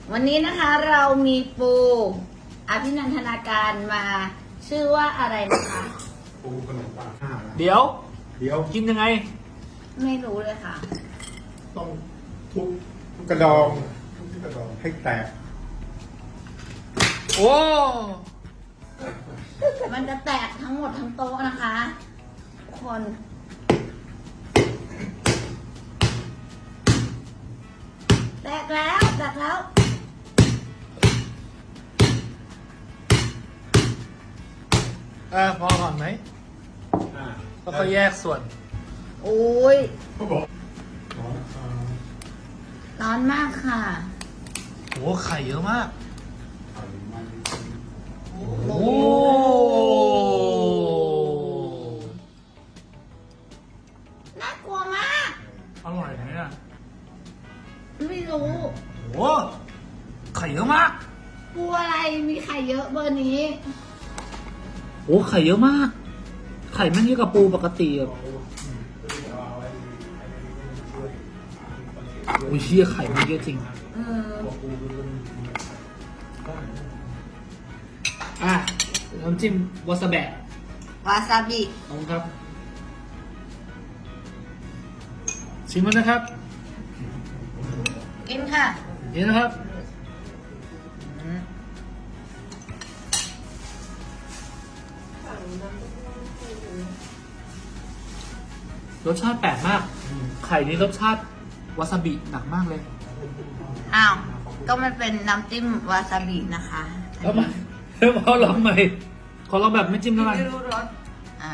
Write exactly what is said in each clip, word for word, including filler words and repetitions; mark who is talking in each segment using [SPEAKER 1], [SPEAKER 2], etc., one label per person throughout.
[SPEAKER 1] วันนี้นะคะเรามีปูอภินันทนาการมาชื่อว่าอะไรนะคะ
[SPEAKER 2] ปูขนมปังห้า
[SPEAKER 3] เดี๋ยว
[SPEAKER 2] เดี๋ยว
[SPEAKER 3] กินยังไง
[SPEAKER 1] ไม่รู้เลยค่ะ
[SPEAKER 2] ต้องทุบทุบกระดองทุบกระดองให้แตก
[SPEAKER 3] โอ้
[SPEAKER 1] มันจะแตกทั้งหมดทั้งโต๊ะนะคะทุกคนแตกแล้วแตกแล้ว
[SPEAKER 3] เออพอก่อนไหม
[SPEAKER 2] อ่า
[SPEAKER 3] แล้วก็แยกส่วน
[SPEAKER 1] โอ้ย
[SPEAKER 2] เขาบอกร้อนอ่า
[SPEAKER 1] ร้อนมากค่ะ
[SPEAKER 3] โอ้ไข่เยอะมาก
[SPEAKER 2] ไข่มัน
[SPEAKER 3] โอ้
[SPEAKER 1] น่ากลัวมาก
[SPEAKER 3] อร่อยไหมอ่ะ
[SPEAKER 1] ไม่รู้
[SPEAKER 3] โอ้ไข่เยอะมาก
[SPEAKER 1] ปูอะไรมีไข่เยอะเบอร์นี้
[SPEAKER 3] โอ้ไข่เยอะมาก ไข่ไม่เยอะกับปูปกติอ่ะโอ้ยเชี่ยไข่มันเยอะจริง
[SPEAKER 1] เออ
[SPEAKER 3] อ่ะน้ำจิ้มวาซาบิ
[SPEAKER 1] วาซาบิ
[SPEAKER 3] ขอบคุณครับ ชิมมันนะครับ
[SPEAKER 1] กินค่ะ
[SPEAKER 3] นี่นะครับ รสชาติแปลกมาก ไข่นี้รสชาติวาซาบิหนักมากเลย
[SPEAKER 1] อ้าว ก็มันเป็นน้ำจิ้มวาซาบินะคะ
[SPEAKER 3] แล้วมาแล้วพอลองใหม่ ขอลองแบบไม่จิ้มแล้วกัน
[SPEAKER 1] ไม่รู้รสอ่า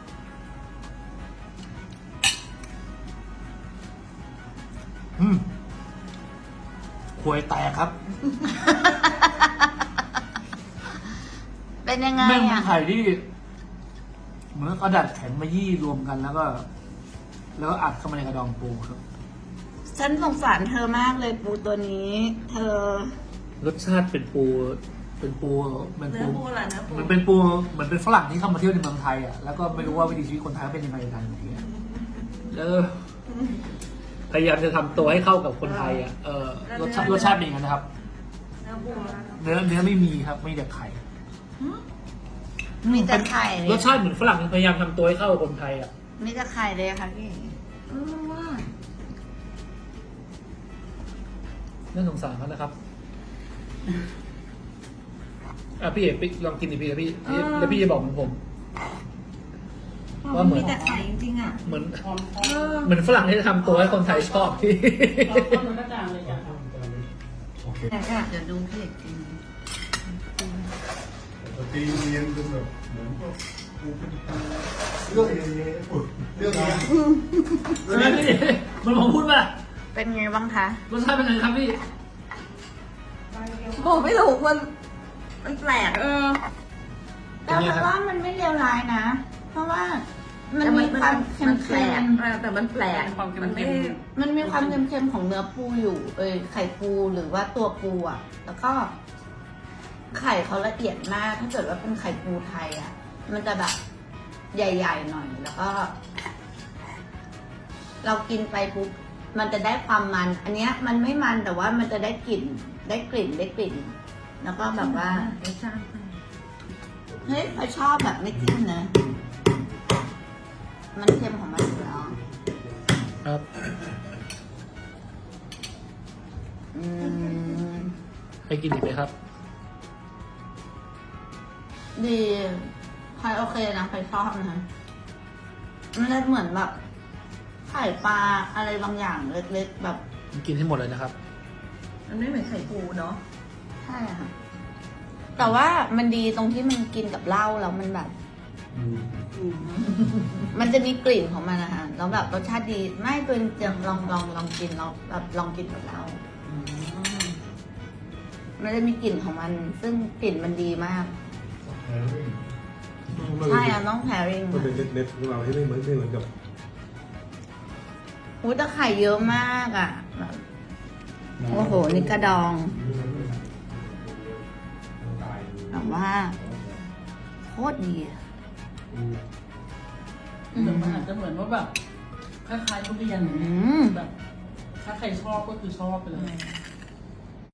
[SPEAKER 3] อืมควยแตกครับ
[SPEAKER 1] เป็นยังไง
[SPEAKER 3] แม่งเป็น
[SPEAKER 1] อ่ะ
[SPEAKER 3] ไข่ที่ เหมือนกระดาษแข็งมายี่รวมกันแล้วก็ แล้วก็อัดเข้ามาในกระดองปูครับ
[SPEAKER 1] ฉันสงสารเธอมากเลยปูตัวนี้ เธอ
[SPEAKER 3] รสชาติเป็นปู เป็นปูเป็น
[SPEAKER 1] เนื้
[SPEAKER 3] ปู
[SPEAKER 1] อปูอะไรนะปู
[SPEAKER 3] เหมือนเป็นปูเหมือนเป็นฝรั่งที่เข้ามาเที่ยวในเมืองไทยอ่ะแล้วก็ไม่รู้ว่าวิถีชีวิตคนไทยเป็นยังไงกันอย่างเงี้ยแล้วพยายามจะทำตัวให้เข้ากับคนไทยอ่ะเออรสชาติรสชาติเป็นอย่างนั้นนะครับ
[SPEAKER 1] เนื้อปู
[SPEAKER 3] เนื้อเนื้อไม่มีครับไม่แต่ไข่
[SPEAKER 1] มีแต่ไข่เลย
[SPEAKER 3] รสชาติเหมือนฝรั่งพยายามทำตัวให้เข้ากับคนไทยอ่ะ
[SPEAKER 1] มีแต่ไข่เลยค่ะพี่เออว่า
[SPEAKER 3] น่าสงสารเขานะครับอ่ะพี่เอกลองกินดิพี่พี่พี่แล้วพี่จะบอกเหมือนผม ว่าเหมือน
[SPEAKER 1] มีแต่ไข่จริงๆอ่ะ
[SPEAKER 3] เหมือน
[SPEAKER 1] เออ
[SPEAKER 3] เหมือนฝรั่งที่ทำตัวให้คนไทยชอบพี่
[SPEAKER 2] โอเค
[SPEAKER 1] เดี๋ยวดูพี่เอกกิน
[SPEAKER 2] ตีเนียนจนแบบเหมือนก็ปูเป็นปูเรื่องนี้เรื่องนี้
[SPEAKER 3] ใช่ไหมพี่มันผมพูดป่ะ
[SPEAKER 1] เป็นไงบ้างคะ
[SPEAKER 3] รสชาติเป็นไงครับพี่
[SPEAKER 1] บอกไม่ถูกมัน มันแปลกเออ
[SPEAKER 3] เป็
[SPEAKER 1] แต่
[SPEAKER 3] นไงครับ
[SPEAKER 1] ว่ามันไม่เลวร้ายนะ เพราะว่ามัน
[SPEAKER 4] แต่
[SPEAKER 1] มีความเค็
[SPEAKER 4] มันแปล
[SPEAKER 1] ม
[SPEAKER 4] กเออแต่มันแปลกมันไม่
[SPEAKER 1] ๆมันมีความเค็มๆของเนื้อปูอยู่ เอยไข่ปูหรือว่าตัวปูอ่ะ แล้วก็ ไข่เขาละเอียดมาก ถ้าเกิดว่าเป็นไข่ปูไทยอ่ะ มันจะแบบใหญ่ๆหน่อย แล้วก็ เรากินไปปุ๊บ มันจะได้ความมัน อันเนี้ยมันไม่มันแต่ว่ามันจะได้กลิ่น ได้กลิ่น ได้กลิ่น แล้วก็แบบว่า
[SPEAKER 4] ไม่ใช่
[SPEAKER 1] เฮ้ยเขาชอบแบบไม่จิ้มนะ มันเค็มของมันอยู่แล้ว
[SPEAKER 3] ครับ
[SPEAKER 1] อืม
[SPEAKER 3] ให้กินอีกไหมครับ
[SPEAKER 1] ดีใครโอเคนะใครชอบนะมันเลยเหมือนแบบไข่ปลาอะไรบางอย่างเล็กๆแบบ
[SPEAKER 3] กินให้หมดเลยนะครับ
[SPEAKER 4] มันไม่เหมือนไข่ปูเนาะ
[SPEAKER 1] ใช่ค่ะ แต่ว่ามันดีตรงที่มันกินกับเหล้าแล้วมันแบบ มันจะมีกลิ่นของมันนะคะแล้วแบบรสชาติดีไม่เป็นจะลองลองลองกินลองแบบลองกินกับเหล้ามันจะมีกลิ่นของมัน ซึ่งกลิ่นมันดีมาก ใช่อะน้องแพริง
[SPEAKER 2] มันเป็นเน็ตๆของเราที่ไม่เหมือนไม่เหมือนกับ
[SPEAKER 1] หูแต่ไข่เยอะมากอ่ะแบบโอ้โห นี่กระดองแบบว่าโคตรดีอะ
[SPEAKER 4] แต่มันอาจจะเหมือนว่าแบบคล้ายๆทุเรียน
[SPEAKER 1] อืม
[SPEAKER 4] แบบ ถ้าใครชอบก็คือชอบไปเลย